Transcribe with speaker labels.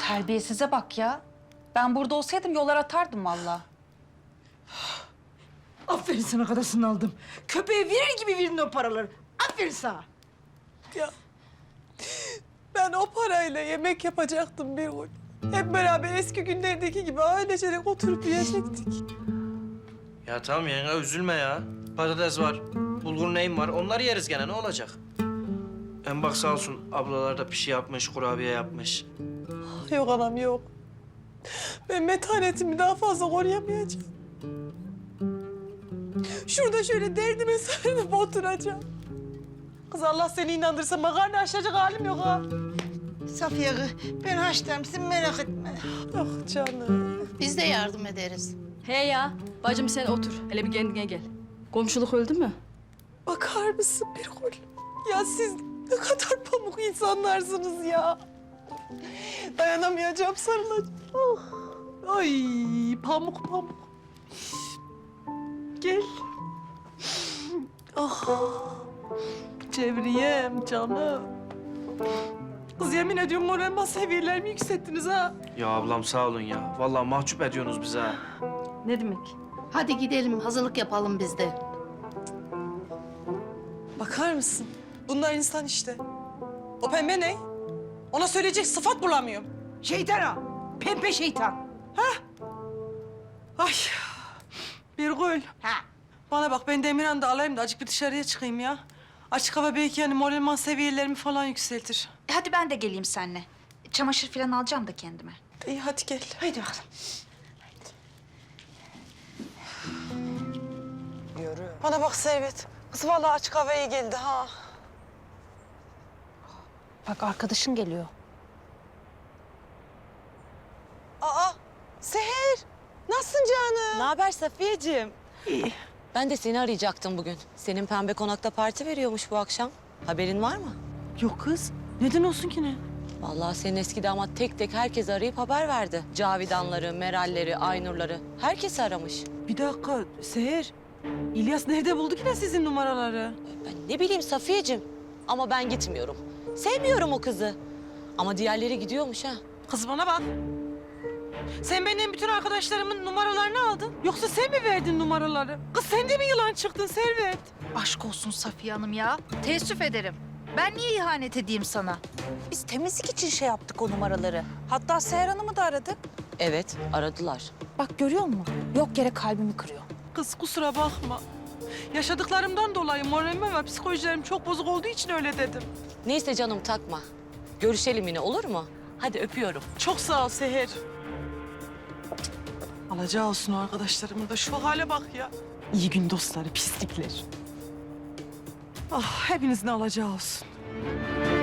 Speaker 1: Terbiyesize bak ya. Ben burada olsaydım yollar atardım vallahi.
Speaker 2: Aferin sana kadasını aldım. Köpeğe verir gibi verin o paraları. Aferin sana.
Speaker 3: Ya ben o parayla yemek yapacaktım bir gün. Hep beraber eski günlerdeki gibi ailecek oturup yiyecektik.
Speaker 4: Ya tamam yenge üzülme ya. Patates var, bulgur neyim var. Onları yeriz gene ne olacak? Hem bak sağ olsun ablalar da pişi yapmış, kurabiye yapmış.
Speaker 3: Yok anam yok. Ben metanetimi daha fazla koruyamayacağım. Şurada şöyle derdime sarılıp oturacağım. Kız Allah seni inandırsa makarna açacak halim yok ha.
Speaker 2: Safiye kız, ben haşlarım, sen merak etme.
Speaker 3: Ah canım.
Speaker 5: Biz de yardım ederiz.
Speaker 6: He ya, bacım sen otur. Hele bir kendine gel. Komşuluk öldü mü?
Speaker 3: Bakar mısın bir gol? Ya siz ne kadar pamuk insanlarsınız ya. Dayanamayacağım sarılacağım. Oh. Ay pamuk pamuk. Gel. Oh. Cevriyem canım. Kız yemin ediyorum moral seviyelerimi yükselttiniz ha.
Speaker 4: Ya ablam sağ olun ya. Vallahi mahcup ediyorsunuz bizi ha.
Speaker 6: Ne demek?
Speaker 5: Hadi gidelim, hazırlık yapalım biz de.
Speaker 3: Bakar mısın? Bunlar insan işte. O pembe ne? Ona söyleyecek sıfat bulamıyorum.
Speaker 2: Şeytan o, pembe şeytan.
Speaker 3: Ay. Birgül.
Speaker 2: Ha.
Speaker 3: Bana bak ben Demirhan'ı da alayım da azıcık bir dışarıya çıkayım ya. Açık hava belki yani moralman seviyelerimi falan yükseltir.
Speaker 1: Hadi ben de geleyim seninle. Çamaşır falan alacağım da kendime.
Speaker 3: İyi hadi gel.
Speaker 2: Haydi bakalım. Yürü.
Speaker 3: Bana bak Servet. Kız vallahi açık hava iyi geldi ha.
Speaker 1: Bak arkadaşın geliyor.
Speaker 3: Aa Seher. Nasılsın canım?
Speaker 7: Ne haber Safiyeciğim?
Speaker 3: İyi.
Speaker 7: Ben de seni arayacaktım bugün. Senin pembe konakta parti veriyormuş bu akşam. Haberin var mı?
Speaker 3: Yok kız. Neden olsun ki ne?
Speaker 7: Vallahi senin eski damat tek tek herkes arayıp haber verdi. Cavidanları, Meralleri, Aynurları. Herkesi aramış.
Speaker 3: Bir dakika Seher. İlyas nerede buldu ki ne sizin numaraları?
Speaker 7: Ben ne bileyim Safiyeciğim. Ama ben gitmiyorum. Sevmiyorum o kızı. Ama diğerleri gidiyormuş ha.
Speaker 3: Kız bana bak. Sen benim bütün arkadaşlarımın numaralarını aldın. Yoksa sen mi verdin numaraları? Kız sen de mi yılan çıktın Servet?
Speaker 1: Aşk olsun Safiye Hanım ya. Teessüf ederim. Ben niye ihanet edeyim sana? Biz temizlik için şey yaptık o numaraları. Hatta Seher Hanım'ı da aradık.
Speaker 7: Evet, aradılar.
Speaker 1: Bak görüyor musun? Yok yere kalbimi kırıyor.
Speaker 3: Kız kusura bakma. Yaşadıklarımdan dolayı moralim ve psikolojilerim çok bozuk olduğu için öyle dedim.
Speaker 7: Neyse canım takma. Görüşelim yine olur mu? Hadi öpüyorum.
Speaker 3: Çok sağ ol Seher. Alacağı olsun o arkadaşlarımın da şu hale bak ya. İyi gün dostları, pislikler. Ah hepinizin alacağı olsun.